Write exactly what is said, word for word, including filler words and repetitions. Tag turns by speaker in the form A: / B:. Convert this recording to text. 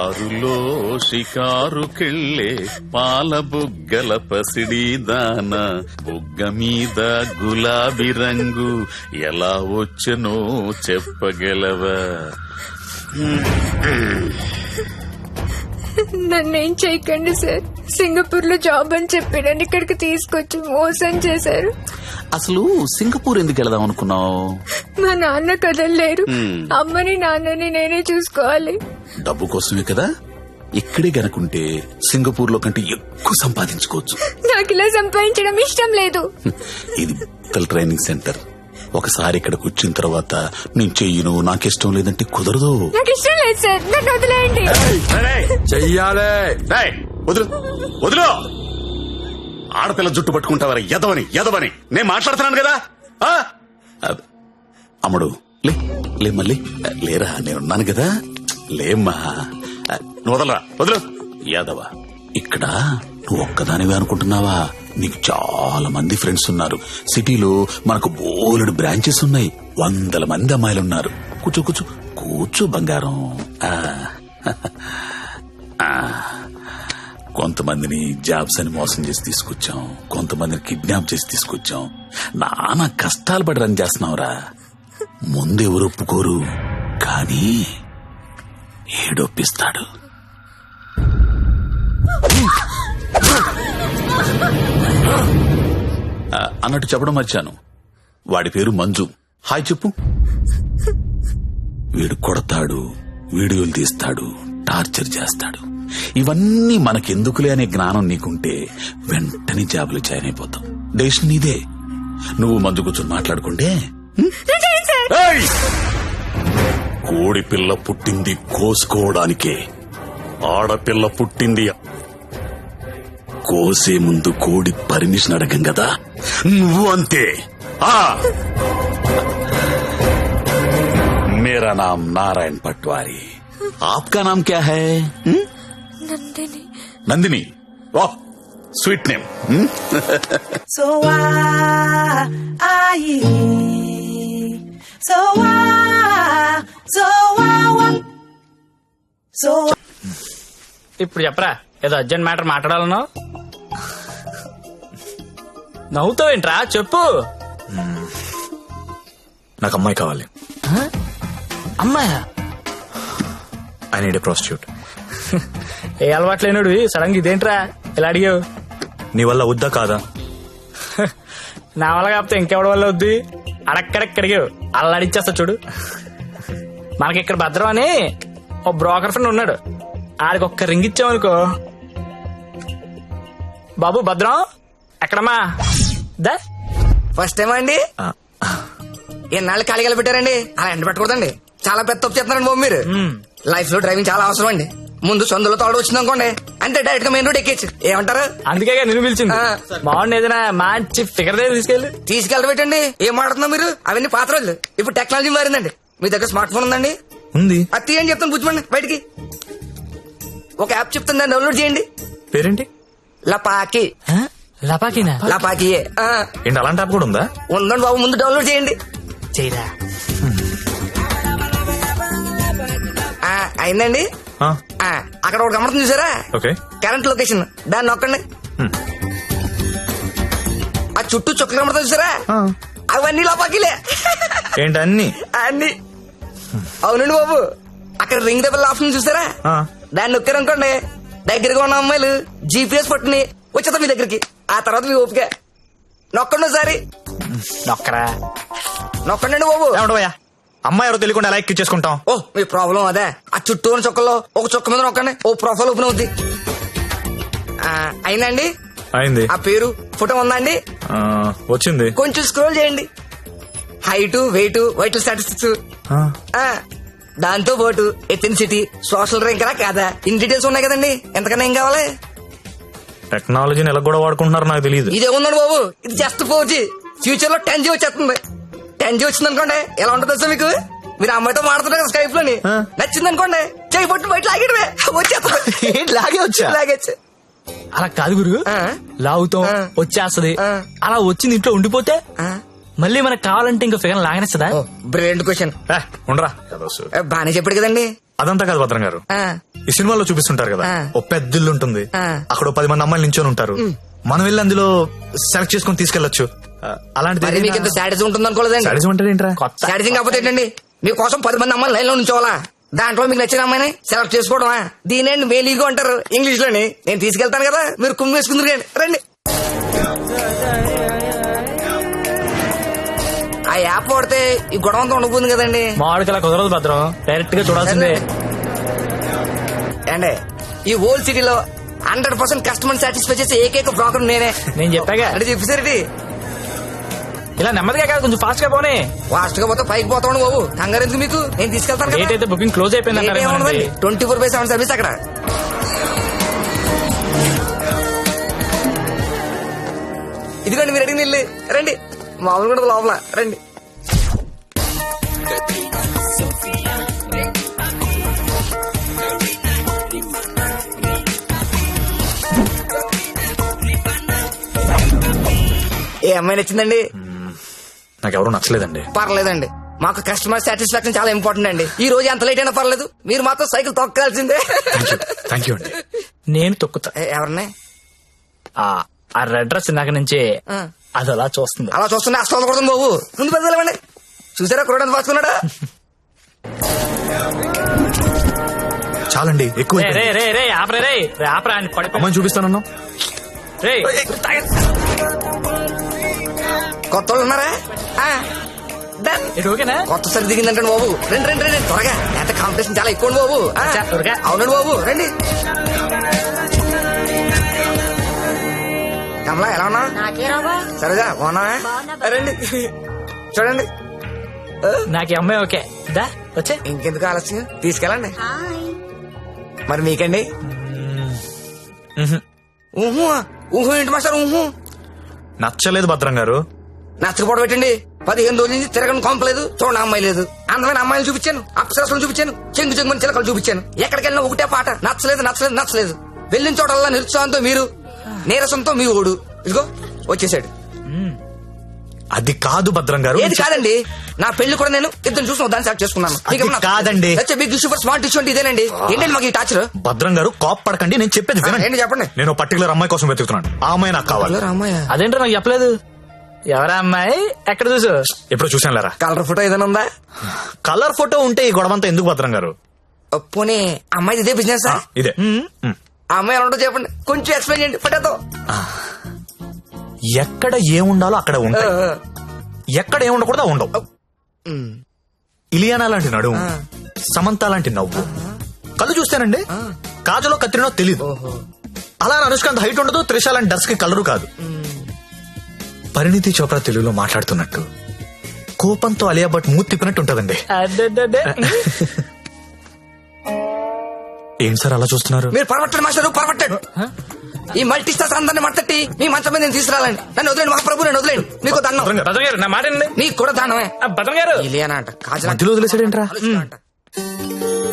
A: కారులో షికారుకెళ్ళే పాల బుగ్గల పసిడి దాన బుగ్గ మీద గులాబీ రంగు ఎలా వచ్చనో చెప్పగలవా?
B: నన్నేం చేయకండి సార్. సింగపూర్ లో జాబ్ అని చెప్పి నన్ను ఇక్కడికి తీసుకొచ్చి మోసం చేశారు.
A: అసలు సింగపూర్ ఎందుకు వెళదాం అనుకున్నావు?
B: మా నాన్న కదలలేరు. అమ్మని నాన్నని నేనే చూసుకోవాలి.
A: డబ్బు కోసమే కదా. ఇక్కడే గనుకుంటే సింగపూర్ లో కంటే ఎక్కువ సంపాదించుకోవచ్చు.
B: నాకు ఇలా సంపాదించడం ఇష్టం లేదు.
A: ఇది ట్రైనింగ్ సెంటర్. ఒకసారి ఇక్కడికి వచ్చిన తర్వాత నేను చెయ్యను, నాకిష్టం లేదంటే కుదరదు.
B: నాకు ఇష్టం లేదు సార్, నన్ను వదిలేయండి.
A: చెయ్యాలే. వదులు వదులు. ఆడపిల్ల జుట్టు పట్టుకుంటావరా? ఎదవని ఎదవని నేను మాట్లాడుతున్నాను కదా. అమ్ముడు లే లే మళ్ళీ లేరా, నేనున్నాను కదా. లేమ్మా, నువ్వు వదలరా, వదులు. యాదవ, ఇక్కడ నువ్వు ఒక్కదానివే అనుకుంటున్నావా? నీకు చాలా మంది ఫ్రెండ్స్ ఉన్నారు. సిటీలో మనకు బోలెడు బ్రాంచెస్ ఉన్నాయి. వందల మంది అమ్మాయిలు ఉన్నారు. కూర్చో కూర్చో కూర్చో బంగారం. కొంతమందిని జాబ్స్ అని మోసం చేసి తీసుకొచ్చాం, కొంతమందిని కిడ్నాప్ చేసి తీసుకొచ్చాం. నానా కష్టాలు పడి రన్ చేస్తున్నావురా. ముందెవరు ఒప్పుకోరు, కానీ ఏడొప్పిస్తాడు. అన్నట్టు చెప్పడం మర్చాను, వాడి పేరు మంజు. హాయ్ చెప్పు. వీడు కొడతాడు, వీడియోలు తీస్తాడు, టార్చర్ చేస్తాడు. ఇవన్నీ మనకెందుకులే అనే జ్ఞానం నీకుంటే వెంటనే జాబులు జాయిన్ అయిపోతాం. డెసిషన్ నీదే. నువ్వు మంజు కూర్చొని మాట్లాడుకుంటే. కోడి పిల్ల పుట్టింది కోసుకోవడానికే, ఆడపిల్ల పుట్టింది కోసే ముందు కోడి పర్మిషన్ అడగం కదా. నువ్వు అంతే. मेरा नाम नारायण पटवारी, आपका नाम क्या है?
B: नंदिनी.
A: नंदिनी, वाह sweet name.
C: So why so why so why so
D: ఇప్పుడు చెప్పరా, ఏదో అర్జెంట్ మ్యాటర్ మాట్లాడాలనో. నవ్వుతావేంట్రా, చెప్పు.
E: నాకు అమ్మాయి కావాలి.
D: అమ్మాయా?
E: I need a prostitute.
D: ఏ అలవాట్లేనుడు సడన్ గా ఇదేంట్రా ఇలా అడిగావు?
E: నీ వల్ల వద్దా కాదా?
D: నా వల్ల కాకపోతే ఇంకెవడి వల్ల వద్దు. అడక్కడక్క అడిగావు, అలా అడిచేస్తా చూడు. మనకి ఇక్కడ భద్రం అని ఓ బ్రోకర్ ఫ్రెండ్ ఉన్నాడు. ఆడికి ఒక్క రింగ్ ఇచ్చామనుకో. బాబు భద్రం ఎక్కడమ్మా? దా
F: ఫస్ట్ టైం అండి. ఎన్నాళ్ళు ఖాళీగా పెట్టారండి, అలా ఎండ పెట్టకూడదండి. చాలా పెద్ద తప్పు చేస్తున్నారండి బాబు మీరు. లైఫ్ లో డ్రైవింగ్ చాలా అవసరం అండి. ముందు సొందులో తోడు వచ్చింది అనుకోండి, అంతే డైరెక్ట్ గా మెయిన్ రోడ్ ఎక్కేచ్చు. ఏమంటారు?
D: అందుకే నేను పిలిచింది. బాగుండి ఏదైనా మంచి ఫిగర్ దగ్గర తీసుకెళ్ళి
F: తీసుకెళ్ళి పెట్టండి. ఏం మాట్లాడుతున్నా మీరు? అవన్నీ పాత రోజులు. ఇప్పుడు టెక్నాలజీ మారిందండి. మీ దగ్గర స్మార్ట్ ఫోన్ ఉందండి?
E: ఉంది.
F: అది తీయండి, చెప్తాను కూర్చోండి. బయటికి ఒక యాప్ చెప్తాను, దాన్ని డౌన్లోడ్ చేయండి.
E: పేరేంటి?
F: లపాకి.
D: లపాకినా?
F: లపాకి
E: ఏంటి, అలాంటి యాప్ కూడా ఉందా?
F: ఉందండి బాబు, ముందు డౌన్లోడ్ చేయండి.
D: చేయరా.
F: అయిందండి. అక్కడ ఒక గమనం చూసారా?
E: ఓకే.
F: కరెంట్ లొకేషన్, దాన్ని నొక్కండి. ఆ చుట్టూ చుక్కలు కమడతా చూసారా? అవన్నీ లపాకిలే.
E: ఏంటి అన్ని?
F: అన్ని అవునండి బాబు. అక్కడ రింగ్ ద బెల్ ఆప్షన్ చూసారా? దాన్ని నొక్కారనుకోండి, దగ్గరగా ఉన్న అమ్మాయిలు జీపీఎస్ పట్టుని వచ్చేద్దాం మీ దగ్గరికి. ఆ తర్వాత మీ ఓపిక. నొక్కండి ఒకసారి.
D: నొక్కరా.
F: నొక్కండి బాబు.
E: ఏమంటావయ్యా, అమ్మాయి ఎవరో తెలియకుండా ఎలా ఎక్కించేసుకుంటాం?
F: ఓ మీ ప్రాబ్లం అదే. ఆ చుట్టూ ఉన్న చుక్కల్లో ఒక చుక్క మీద నొక్కండి, ఓ ప్రొఫైల్ ఓపెన్ అవుద్ది. అయిందండి?
E: అయింది.
F: ఆ పేరు ఫోటో ఉందా అండి?
E: వచ్చింది.
F: కొంచెం స్క్రోల్ చేయండి. హైట్, వెయిట్, వైటల్ స్టాటిస్టిక్స్, దాంతో పాటు ఎథెన్సిటీ, సోషల్ ర్యాంక్ రా కాదా, ఇన్ డీటెయిల్స్ ఉన్నాయి కదండి. ఎంతకన్నా ఏం కావాలి?
E: టెక్నాలజీని ఎలా కూడా వాడుకుంటున్నారు నాకు తెలియదు.
F: ఇదే ఉందండి బాబు, ఇది జస్ట్ ఫోర్ జీ. ఫ్యూచర్ లో టెన్ జీ వచ్చేస్తుంది. టెన్ జీ వచ్చింది అనుకోండి, ఎలా ఉంటుంది సార్ మీకు? మీరు అమ్మాయితో మాడుతున్నారు కదా స్కైప్ లోని, నచ్చింది అనుకోండి, చేయి పట్టు బయట లాగేయడమే, వచ్చేస్తుంది.
E: లాగే వచ్చా?
F: లాగేచ్చు.
D: అలా కాదు గురు, లాగుతాం వచ్చేస్తది. అలా వచ్చింది ఇంట్లో ఉండిపోతే మళ్ళీ మనకు కావాలంటే ఇంకా ఫిగర్ లాగనేస్తుందా?
F: Brilliant question.
E: ఉండరా,
F: బానే చెప్పాడు కదండి.
E: అదంతా కాదు భద్రం గారు,
F: ఆ,
E: ఈ సినిమాలో చూపిస్తుంటారు కదా,
F: ఆ.
E: ఓ పెద్ద ఇల్లు ఉంటుంది,
F: ఆ.
E: అక్కడ ఓ పది మంది అమ్మాయిలు నించొని ఉంటారు, మనం వెళ్ళి అందులో సెలెక్ట్ చేసుకుని తీసుకెళ్లొచ్చు. ఆ, అలాంటిది
F: మరి మీకు ఇంత శాడిజం ఉంటుంది అనుకోలేదండి.
E: సాడిజం అంటే ఏంట్రా?
D: కొత్త
F: శాడిజం కాకపోతే ఏంటండి, మీకోసం పది మంది అమ్మాయిలు లైన్ లో ఉంచోవాలా, దాంట్లో మీకు నచ్చిన అమ్మాయిని సెలెక్ట్ చేసుకోవడమా? దీనేండి మేలీగో అంటారు ఇంగ్లీష్ లోని. నేను తీసుకెళ్తాను కదా, మీరు కుమ్మి వేసుకుందరు కానీ రండి. ఆ యాప్ వాడితే ఈ గొడవ అంతా ఉండబోతుంది కదండి.
D: మామిడికి అలా కుదరదు భద్రం, డైరెక్ట్ గా చూడాల్సిందే.
F: అండి ఈ హోల్ సిటీలో హండ్రెడ్ పర్సెంట్ కస్టమర్ సాటిస్ఫై చేసే ఏకైక బ్రోకర్ నేనే.
D: నేను చెప్పాగా
F: అంటే చెప్పేసరికి
D: ఇలా నెమ్మదిగా కాదు, కొంచెం ఫాస్ట్ గా పోనీ.
F: ఫాస్ట్ గా పోతే పైకి పోతాను బాబు, కంగారు ఎందుకు మీకు, నేను తీసుకెళ్తాను
D: డేట్ అయితే బుకింగ్ క్లోజ్ అయిపోయింది అంటారు.
F: Twenty four by seven service అక్కడ. ఇదిగోండి మీరు అడిగిన ఇల్లు, రండి. మామూలు కూడా లోపల రండి. ఏ అమ్మాయి నచ్చిందండి?
E: నాకెవరూ నచ్చలేదండి.
F: పర్లేదండి, మాకు కస్టమర్ సాటిస్ఫాక్షన్ చాలా ఇంపార్టెంట్ అండి. ఈ రోజు ఎంత లేట్ అయినా పర్లేదు, మీరు మాత్రం సైకిల్ తొక్కాల్సిందే.
E: థ్యాంక్ యూ అండి.
D: నేను తొక్కుతా.
F: ఏ, ఎవరిని?
D: ఆ ఆ రెడ్ డ్రెస్ ఇందాక నుంచి
F: ఆ.
D: అది అలా చూస్తుంది.
F: అలా చూస్తుంటే అస్తం కొడుతుంది బాబు, ముందు పెద్దలేమండి. చూసారా కురడానికి పాసుకున్నాడా?
E: చాలండి, ఎక్కువ
D: రే రే రే రే ఆపరే రే రే ఆపరా అని పడిపో.
E: అమ్మాయిని చూపిస్తానన్నా.
D: రే
F: కొత్త వాళ్ళు ఉన్నారా? ఆ, done.
D: ఇది ఓకేనా?
F: కొత్త సరి దిగిందంటే బాబు, రండి రండి రండి త్వరగా, ఎంత కాంపిటీషన్ చాలా ఎక్కువ బాబు. ఆ,
D: అచ్చా, త్వరగా.
F: అవునండి బాబు, రండి. కమలా ఎలా ఉన్నా? సరేగా బాగున్నా? రండి చూడండి.
D: నాకు ఈ అమ్మాయి ఓకే. దా వచ్చే.
F: ఇంకెందుకు ఆలస్యం, తీసుకెళ్ళండి. మరి మీకండి? ఊహు ఊహు ఏంటి మాస్టర్ ఊహు?
E: నచ్చలేదు భద్రం గారు.
F: నచ్చకపోవడం పెట్టండి, పదిహేను రోజుల నుంచి తిరగని కొంపలేదు, చూడండి అమ్మాయి లేదు. అందమైన అమ్మాయిలు చూపించాను, అప్సరసలు చూపించాను, చెంగు చెంగుని చిలకలు చూపించాను. ఎక్కడికి వెళ్ళినా ఒకటే పాట, నచ్చలేదు నచ్చలేదు నచ్చలేదు. వెళ్ళిన చోటల్లా నిరుత్సాహంతో మీరు, నీరసంతో మీ ఓడు. ఇదిగో వచ్చేసాడు.
E: అది కాదు భద్రం గారు.
F: ఏది కాదండి, నా పెళ్లి కూడా నేను ఇద్దరు చూసిన దాన్ని సెలెక్ట్ చేసుకున్నాను.
E: అది కాదండి.
F: బిగ్ సూపర్ స్మార్ట్ ఇష్యూ అంటే ఇదేనండి. ఏంటండి మాకు ఈ టాచర్?
E: భద్రం గారు కాప్ పడకండి, నేను చెప్పేది వినండి.
F: ఏంటి చెప్పండి.
E: నేను పర్టికులర్ అమ్మాయి కోసం వెతుకుతున్నాను, ఆ అమ్మాయి నాకు కావాలి.
F: అమ్మాయి
D: అదేంటో నాకు చెప్పలేదు. ఎవరా అమ్మాయి? ఎక్కడ చూసు?
E: ఎప్పుడు చూసాను లేరా.
F: కలర్ ఫోటో ఏదైనా ఉందా?
E: కలర్ ఫోటో ఉంటే ఈ గొడవంతా ఎందుకు భద్రం గారు?
F: పోనీ అమ్మాయి ఇదే బిజినెస్?
E: ఇదే. మ్.
F: ఆ అమ్మాయి ఎలా ఉంటుందో చెప్పండి, కొంచెం ఎక్స్ప్లెయిన్ చేయండి ఫోటోతో.
E: ఎక్కడ ఏముండాలో అక్కడ ఉంటాయి, ఎక్కడ ఏముండకూడదు ఉండవు. ఇలియానా లాంటి నడుము, సమంత లాంటి నవ్వు, కళ్ళు చూస్తానండి కాజలో కత్తిరినో తెలీదు. అలా అనుష్కాంత్ హైట్ ఉండదు, త్రిష లాంటి డర్స్ కి కలరు కాదు. పరిణితి చోప్రా తెలుగులో మాట్లాడుతున్నట్టు, కోపంతో అలియా భట్ మూతి తిప్పినట్టు ఉంటదండి.
D: అడ్డడ్డడ్డే.
E: ఏం సార్ అలా చూస్తున్నారు?
F: మీరు పరమట్టండి మాస్టర్, పరమట్టండి. ఈ మల్టీ స్టార్స్ అందరిని మట్టట్టి మీ మంచం మీద నేను తీసుకురాలండి. నన్ను వదిలేండి మహాప్రభు, నన్ను వదిలేండి. మీకు దండం.
D: భద్రం గారు నా మాట వినండి.
F: నీకు కూడా దానమే.
D: ఆ, భద్రం గారు
F: ఇలియానా అంట, కాజల్
E: మధ్యలో వదిలేసాడేంట్రా?
F: అంట.